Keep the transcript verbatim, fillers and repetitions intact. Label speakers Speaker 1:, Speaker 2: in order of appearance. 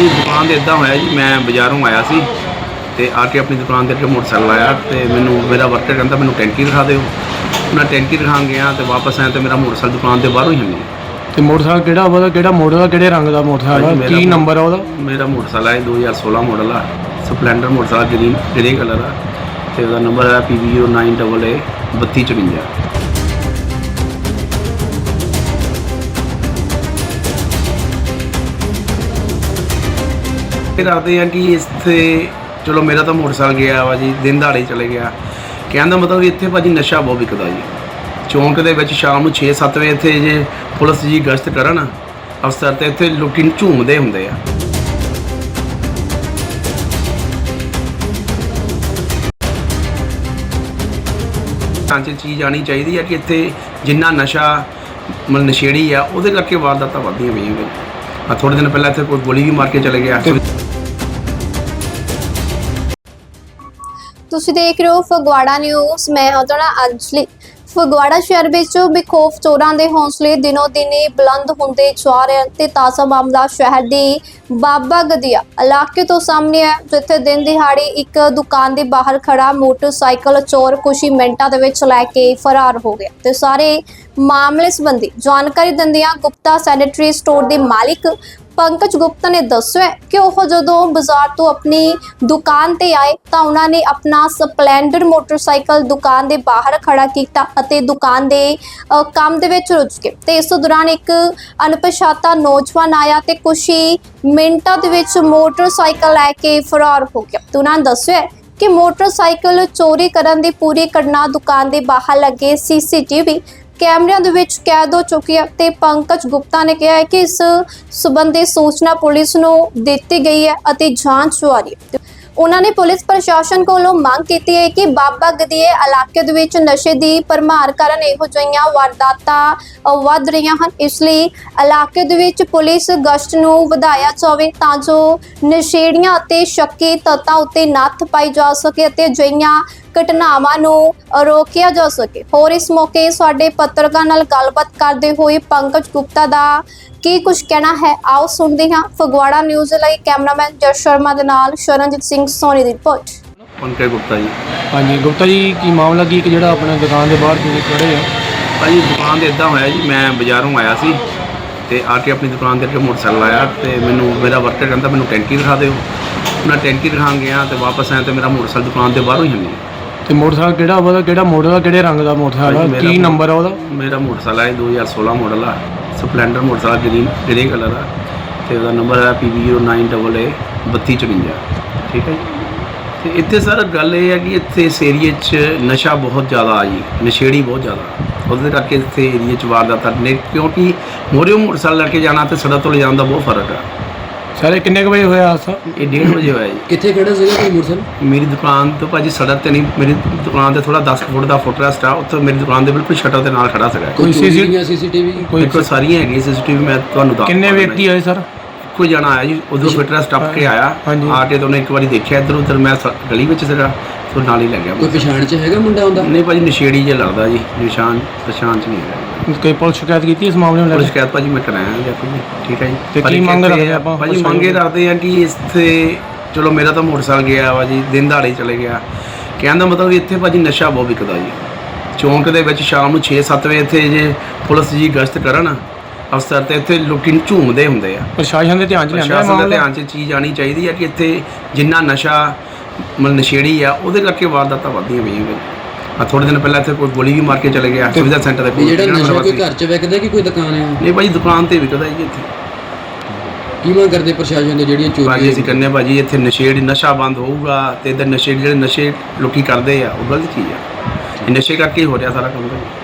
Speaker 1: ਭਾਜੀ ਦੁਕਾਨ 'ਤੇ ਇੱਦਾਂ ਹੋਇਆ ਜੀ, ਮੈਂ ਬਾਜ਼ਾਰੋਂ ਆਇਆ ਸੀ ਤੇ ਆ ਕੇ ਆਪਣੀ ਦੁਕਾਨ 'ਤੇ ਅੱਗੇ ਮੋਟਰਸਾਈਕਲ ਆਇਆ ਤੇ ਮੈਨੂੰ ਮੇਰਾ ਵਰਕਰ ਕਹਿੰਦਾ ਮੈਨੂੰ ਟੈਂਕੀ ਦਿਖਾ ਦਿਓ। ਮੈਂ ਟੈਂਕੀ ਦਿਖਾਉਣ ਗਿਆ ਤੇ ਵਾਪਸ ਆਇਆ ਤੇ ਮੇਰਾ ਮੋਟਰਸਾਈਕਲ ਦੁਕਾਨ ਦੇ ਬਾਹਰੋਂ ਹੀ ਹੈ ਨਹੀਂ।
Speaker 2: ਤੇ ਮੋਟਰਸਾਈਕਲ ਕਿਹੜਾ ਉਹਦਾ ਕਿਹੜਾ ਮਾਡਲ ਆ, ਕਿਹੜੇ ਰੰਗ ਦਾ ਮੋਟਰਸਾਈਕਲ ਆ, ਕੀ ਨੰਬਰ ਆ ਉਹਦਾ?
Speaker 1: ਮੇਰਾ ਮੋਟਰਸਾਈਕਲ ਹੈ ਦੋ ਹਜ਼ਾਰ ਸੋਲਾਂ ਮਾਡਲ ਆ, Splendor motorcycle green grey colour ਆ ਤੇ ਉਹਦਾ ਨੰਬਰ ਹੈ P V zero nine double A ਬੱਤੀ ਚੁਰੰਜਾ। ਫਿਰ ਆਖਦੇ ਆ ਕਿ ਇੱਥੇ ਚਲੋ ਮੇਰਾ ਤਾਂ ਮੋਟਰਸਾਈਕਲ ਗਿਆ ਵਾ ਜੀ, ਦਿਨ ਦਿਹਾੜੇ ਚਲੇ ਗਿਆ। ਕਹਿਣ ਦਾ ਮਤਲਬ ਇੱਥੇ ਭਾਜੀ ਨਸ਼ਾ ਬਹੁਤ ਵਿਕਦਾ ਜੀ। ਚੌਂਕ ਦੇ ਵਿੱਚ ਸ਼ਾਮ ਨੂੰ ਛੇ ਸੱਤ ਵਜੇ ਇੱਥੇ ਜੇ ਪੁਲਿਸ ਜੀ ਗਸ਼ਤ ਕਰਨ ਅਫਸਰ ਤੇ ਇੱਥੇ ਲੋਕੀ ਝੂਮਦੇ ਹੁੰਦੇ ਆ। ਟਾਂਚੇ ਚੀਜ਼ ਆਣੀ ਚਾਹੀਦੀ ਹੈ ਕਿ ਇੱਥੇ ਜਿੰਨਾ ਨਸ਼ਾ ਮਤਲਬ ਨਸ਼ੇੜੀ ਆ ਉਹਦੇ ਕਰਕੇ ਵਾਰਦਾਤਾਂ ਵੱਧਦੀਆਂ ਪਈਆਂ। ਆ ਥੋੜੇ ਦਿਨ ਪਹਿਲਾਂ ਇੱਥੇ ਕੋਈ ਗੋਲੀ ਵੀ ਮਾਰ ਕੇ ਚਲੇ ਗਿਆ।
Speaker 3: ਤੁਸੀਂ ਦੇਖ ਰਹੇ ਹੋ ਫਗਵਾੜਾ ਨਿਊਜ਼। ਮੈਂ ਹਾਂ ਤੁਹਾਡਾ ਅੰਜਲੀ। ਫਗਵਾੜਾ ਸ਼ਹਿਰ ਵਿੱਚ ਬੇਖੌਫ ਚੋਰਾਂ ਦੇ ਹੌਸਲੇ ਦਿਨੋਂ ਦਿਨ ਬੁਲੰਦ ਹੁੰਦੇ ਜਾ ਰਹੇ ਹਨ ਤੇ ਤਾਜ਼ਾ ਮਾਮਲਾ ਸ਼ਹਿਰ ਦੇ ਬਾਬਾ ਗਦੀਆ ਇਲਾਕੇ ਤੋਂ ਸਾਹਮਣੇ ਹੈ, ਜਿੱਥੇ ਦਿਨ ਦਿਹਾੜੇ ਇੱਕ ਦੁਕਾਨ ਦੇ ਬਾਹਰ ਖੜਾ ਮੋਟਰਸਾਈਕਲ ਚੋਰ ਕੁਝ ਹੀ ਮਿੰਟਾਂ ਦੇ ਵਿੱਚ ਲੈ ਕੇ ਫਰਾਰ ਹੋ ਗਿਆ। ਤੇ ਸਾਰੇ ਮਾਮਲੇ ਸੰਬੰਧੀ ਜਾਣਕਾਰੀ ਦਿੰਦਿਆਂ ਗੁਪਤਾ ਸੈਨੇਟਰੀ ਸਟੋਰ ਦੇ ਮਾਲਿਕ ਪੰਕਜ ਗੁਪਤਾ ਨੇ ਦੱਸਿਆ ਕਿ ਉਹ ਜਦੋਂ ਬਾਜ਼ਾਰ ਤੋਂ ਆਪਣੀ ਦੁਕਾਨ ਤੇ ਆਏ ਤਾਂ ਉਹਨਾਂ ਨੇ ਆਪਣਾ ਸਪਲੈਂਡਰ ਮੋਟਰਸਾਈਕਲ ਦੁਕਾਨ ਦੇ ਬਾਹਰ ਖੜਾ ਕੀਤਾ ਅਤੇ ਦੁਕਾਨ ਦੇ ਕੰਮ ਦੇ ਵਿੱਚ ਰੁੱਝ ਗਏ। ਤੇ ਇਸ ਦੌਰਾਨ ਇੱਕ ਅਣਪਛਾਤਾ ਨੌਜਵਾਨ ਆਇਆ ਤੇ ਕੁਝ ਹੀ ਮਿੰਟਾਂ ਦੇ ਵਿੱਚ ਮੋਟਰਸਾਈਕਲ ਲੈ ਕੇ ਫਰਾਰ ਹੋ ਗਿਆ। ਤੇ ਉਹਨਾਂ ਨੇ ਦੱਸਿਆ ਕਿ ਮੋਟਰਸਾਈਕਲ ਚੋਰੀ ਕਰਨ ਦੀ ਪੂਰੀ ਘਟਨਾ ਦੁਕਾਨ ਦੇ ਬਾਹਰ ਲੱਗੇ ਸੀ ਸੀ ਟੀ ਵੀ ਕੈਮਰਿਆਂ ਦੇ ਵਿੱਚ ਕੈਦ ਹੋ ਚੁੱਕੀ ਹੈ। ਤੇ ਪੰਕਜ ਗੁਪਤਾ ਨੇ ਕਿਹਾ ਹੈ ਕਿ ਇਸ ਸੰਬੰਧੀ ਸੂਚਨਾ ਪੁਲਿਸ ਨੂੰ ਦਿੱਤੀ ਗਈ ਹੈ ਅਤੇ ਜਾਂਚ ਜਾਰੀ ਹੈ। ਉਹਨਾਂ ਨੇ ਪੁਲਿਸ ਪ੍ਰਸ਼ਾਸਨ ਕੋਲੋਂ ਮੰਗ ਕੀਤੀ ਹੈ ਕਿ ਬਾਬਾ ਗਦੀਏ ਇਲਾਕੇ ਦੇ ਵਿੱਚ ਨਸ਼ੇ ਦੀ ਭਰਮਾਰ ਕਾਰਨ ਇਹੋ ਜਿਹੀਆਂ ਵਾਰਦਾਤਾਂ ਵੱਧ ਰਹੀਆਂ ਹਨ। ਇਸ ਲਈ ਇਲਾਕੇ ਦੇ ਵਿੱਚ ਪੁਲਿਸ ਗਸ਼ਤ ਨੂੰ ਵਧਾਇਆ ਜਾਵੇ ਤਾਂ ਜੋ ਨਸ਼ੇੜੀਆਂ ਅਤੇ ਸ਼ੱਕੀ ਤੱਤਾਂ ਉੱਤੇ ਨੱਥ ਪਾਈ ਜਾ ਸਕੇ ਅਤੇ ਅਜਿਹੀਆਂ ਘਟਨਾਵਾਂ ਨੂੰ ਰੋਕਿਆ ਜਾ ਸਕੇ। ਹੋਰ ਇਸ ਮੌਕੇ ਸਾਡੇ ਪੱਤਰਕਾਰ ਨਾਲ ਗੱਲਬਾਤ ਕਰਦੇ ਹੋਏ ਪੰਕਜ ਗੁਪਤਾ ਦਾ ਕੀ ਕੁਝ ਕਹਿਣਾ ਹੈ, ਆਓ ਸੁਣਦੇ ਹਾਂ। ਫਗਵਾੜਾ ਨਿਊਜ਼ ਲਈ ਕੈਮਰਾਮੈਨ ਜਸ ਸ਼ਰਮਾ ਦੇ ਨਾਲ ਸ਼ਰਨਜੀਤ ਸਿੰਘ ਸੋਨੀ ਦੀ ਰਿਪੋਰਟ।
Speaker 1: ਪੰਕਜ ਗੁਪਤਾ ਜੀ।
Speaker 2: ਹਾਂਜੀ ਗੁਪਤਾ ਜੀ, ਕੀ ਮਾਮਲਾ ਕੀ ਕਿ ਜਿਹੜਾ ਆਪਣੇ ਦੁਕਾਨ ਦੇ ਬਾਹਰ ਤੁਸੀਂ ਖੜੇ ਆ?
Speaker 1: ਭਾਜੀ ਦੁਕਾਨ 'ਤੇ ਇੱਦਾਂ ਹੋਇਆ ਜੀ, ਮੈਂ ਬਾਜ਼ਾਰੋਂ ਆਇਆ ਸੀ ਤੇ ਆ ਕੇ ਆਪਣੀ ਦੁਕਾਨ 'ਤੇ ਅੱਗੇ ਮੋਟਰਸਾਈਕਲ ਆਇਆ ਤੇ ਮੈਨੂੰ ਮੇਰਾ ਵਰਕਰ ਕਹਿੰਦਾ ਮੈਨੂੰ ਟੈਂਕੀ ਦਿਖਾ ਦਿਓ। ਮੈਂ ਟੈਂਕੀ ਦਿਖਾਉਣ ਗਿਆ ਤੇ ਵਾਪਸ ਆਇਆ ਤੇ ਮੇਰਾ ਮੋਟਰਸਾਈਕਲ ਦੁਕਾਨ ਦੇ ਬਾਹਰੋਂ ਹੀ ਹੈ ਨਹੀਂ।
Speaker 2: ਤੇ ਮੋਟਰਸਾਈਕਲ ਕਿਹੜਾ ਉਹਦਾ ਕਿਹੜਾ ਮਾਡਲ ਆ, ਕਿਹੜੇ ਰੰਗ ਦਾ ਮੋਟਰਸਾਈਕਲ ਆ, ਕੀ ਨੰਬਰ ਆ ਉਹਦਾ?
Speaker 1: ਮੇਰਾ ਮੋਟਰਸਾਈਕਲ ਹੈ ਦੋ ਹਜ਼ਾਰ ਸੋਲਾਂ ਮਾਡਲ ਆ, Splendor motorcycle green grey colour ਆ ਤੇ ਉਹਦਾ ਨੰਬਰ ਹੈ P V zero nine double A ਬੱਤੀ ਚੁਰੰਜਾ। ਠੀਕ ਹੈ ਜੀ। ਤੇ ਇੱਥੇ ਸਰ ਗੱਲ ਇਹ ਹੈ ਕਿ ਇੱਥੇ ਇਸ ਏਰੀਏ 'ਚ ਨਸ਼ਾ ਬਹੁਤ ਜ਼ਿਆਦਾ ਆ ਜੀ, ਨਸ਼ੇੜੀ ਬਹੁਤ ਜ਼ਿਆਦਾ। ਉਹਦੇ ਕਰਕੇ ਇੱਥੇ ਏਰੀਏ 'ਚ ਵਾਰਦਾਤਾਂ ਨੇ, ਕਿਉਂਕਿ ਮੋਰਿਓ ਮੋਟਰਸਾਈਕਲ ਲੈ ਕੇ ਜਾਣਾ ਤੇ ਸੜਕ ਤੋਂ ਲਿਜਾਣ ਦਾ ਬਹੁਤ ਫਰਕ ਆ।
Speaker 2: ਸਾਰੇ ਕਿੰਨੇ ਕੁ ਵਜੇ ਹੋਇਆ ਹਾਦਸਾ?
Speaker 1: ਇਹ ਡੇਢ ਵਜੇ ਹੋਇਆ ਜੀ।
Speaker 4: ਕਿੱਥੇ ਖੜਾ ਸੀਗਾ ਕੋਈ ਮੋਟਰਸਾਈਕਲ?
Speaker 1: ਮੇਰੀ ਦੁਕਾਨ ਤੋਂ ਭਾਜੀ ਸੜਕ ਤੇ ਨਹੀਂ, ਮੇਰੀ ਦੁਕਾਨ ਤੇ ਥੋੜਾ ਦਸ ਫੁੱਟ ਦਾ ਫੁੱਟਰੈਸਟ ਆ, ਉੱਥੇ ਮੇਰੀ ਦੁਕਾਨ ਦੇ ਬਿਲਕੁਲ ਸ਼ਟਰ ਦੇ ਨਾਲ ਖੜਾ ਸੀਗਾ।
Speaker 2: ਕੋਈ
Speaker 4: ਸੀਸੀਟੀਵੀ ਸੀਸੀਟੀਵੀ
Speaker 2: ਕੋਈ
Speaker 1: ਦੇਖੋ ਸਾਰੀਆਂ ਹੈਗੀਆਂ ਸੀਸੀਟੀਵੀ, ਮੈਂ ਤੁਹਾਨੂੰ ਦੱਸ
Speaker 2: ਕਿੰਨੇ ਵਿਅਕਤੀ ਆਏ ਸਰ?
Speaker 1: ਕੋਈ ਜਾਣਾ ਆਇਆ ਜੀ, ਉਧਰੋਂ ਫਿਟਰੈਸਟ ਟੱਪ ਕੇ ਆਇਆ, ਆ ਕੇ ਤਾਂ ਉਹਨੇ ਇੱਕ ਵਾਰੀ ਦੇਖਿਆ ਇੱਧਰ ਉੱਧਰ, ਮੈਂ ਸ- ਗਲੀ ਵਿੱਚ ਸੀਗਾ ਤੋਂ ਨਾਲ ਹੀ ਲੈ ਗਿਆ।
Speaker 4: ਕੋਈ ਪਛਾਣ ਚ ਹੈਗਾ ਮੁੰਡਾ ਹੁੰਦਾ?
Speaker 1: ਨਹੀਂ ਭਾਜੀ ਨਸ਼ੇੜੀ ਜਿਹਾ ਲੱਗਦਾ ਜੀ, ਨਿਸ਼ਾਨ ਪਛਾਣ ਚ ਨਹੀਂ ਹੈਗਾ।
Speaker 2: ਕੋਈ ਪੁਲਿਸ ਸ਼ਿਕਾਇਤ ਕੀਤੀ ਇਸ ਮਾਮਲੇ ਨੂੰ ਲੈ
Speaker 1: ਪੁਲਿਸ
Speaker 2: ਕੇ?
Speaker 1: ਸ਼ਿਕਾਇਤ ਭਾਜੀ ਮੈਂ ਕਰਾਇਆ ਦੇਖੋ ਜੀ। ਠੀਕ ਹੈ ਜੀ।
Speaker 2: ਤੇ
Speaker 1: ਪਰ
Speaker 2: ਕੀ
Speaker 1: ਇੱਕ
Speaker 2: ਮੰਗ
Speaker 1: ਇੱਥੇ
Speaker 2: ਰੱਖਦੇ ਆਪਾਂ?
Speaker 1: ਭਾਜੀ ਮੰਗੇ ਰੱਖਦੇ ਆ ਕਿ ਇੱਥੇ ਚਲੋ ਮੇਰਾ ਤਾਂ ਮੋਟਰਸਾਈਕਲ ਗਿਆ ਵਾ ਜੀ, ਦਿਨ ਦਿਹਾੜੇ ਚਲੇ ਗਿਆ। ਕਹਿਣ ਦਾ ਮਤਲਬ ਇੱਥੇ ਭਾਜੀ ਨਸ਼ਾ ਬਹੁਤ ਵਿਕਦਾ ਜੀ। ਚੌਂਕ ਦੇ ਵਿੱਚ ਸ਼ਾਮ ਨੂੰ ਛੇ ਸੱਤ ਵਜੇ ਇੱਥੇ ਜੇ ਪੁਲਿਸ ਜੀ ਗਸ਼ਤ ਕਰਨ ਅਫਸਰ ਤੇ ਇੱਥੇ ਲੋਕੀ ਝੂਮਦੇ ਹੁੰਦੇ ਆ।
Speaker 2: ਪ੍ਰਸ਼ਾਸਨ ਦੇ ਧਿਆਨ 'ਚ ਲਿਆਂਦਾ
Speaker 1: ਪ੍ਰਸ਼ਾਸਨ ਦੇ
Speaker 2: ਮਾਮਲਾ?
Speaker 1: ਧਿਆਨ 'ਚ ਚੀਜ਼ ਆਣੀ ਚਾਹੀਦੀ ਹੈ ਕਿ ਇੱਥੇ ਜਿੰਨਾ ਨਸ਼ਾ ਮਤਲਬ ਨਸ਼ੇੜੀ ਆ ਉਹਦੇ ਕਰਕੇ ਵਾਰਦਾਤਾਂ ਵੱਧਦੀਆਂ ਪਈਆਂ। ਆ ਥੋੜੇ ਦਿਨ ਪਹਿਲਾਂ ਇੱਥੇ ਕੋਈ ਗੋਲੀ ਵੀ ਮਾਰ ਕੇ ਚਲੇ ਗਿਆ ਸੁਵਿਧਾ ਸੈਂਟਰ ਦੇ ਕੋਲ।
Speaker 4: ਜਿਹੜਾ ਨਸ਼ਾ ਕੋਈ ਘਰ ਚ ਵਿਕਦਾ ਕਿ ਕੋਈ ਦੁਕਾਨ ਹੈ?
Speaker 1: ਨਹੀਂ ਭਾਜੀ ਦੁਕਾਨ ਤੇ ਵਿਕਦਾ ਜੀ ਇੱਥੇ।
Speaker 4: ਕੀ ਮੰਗ ਕਰਦੇ ਪ੍ਰਸ਼ਾਸਨ ਦੇ ਜਿਹੜੀਆਂ
Speaker 1: ਭਾਜੀ
Speaker 4: ਚੋਰੀਆਂ?
Speaker 1: ਅਸੀਂ ਕਹਿੰਦੇ ਭਾਜੀ ਇੱਥੇ ਨਸ਼ੇੜੀ ਨਸ਼ਾ ਬੰਦ ਹੋਊਗਾ ਤੇ ਇੱਧਰ ਨਸ਼ੇ ਜਿਹੜੇ ਨਸ਼ੇ ਲੋਕੀ ਕਰਦੇ ਆ ਉਹ ਗਲਤ ਚੀਜ਼ ਆ। ਇਹ ਨਸ਼ੇ ਕਰਕੇ ਹੀ ਹੋ ਰਿਹਾ ਸਾਰਾ ਕੰਮ।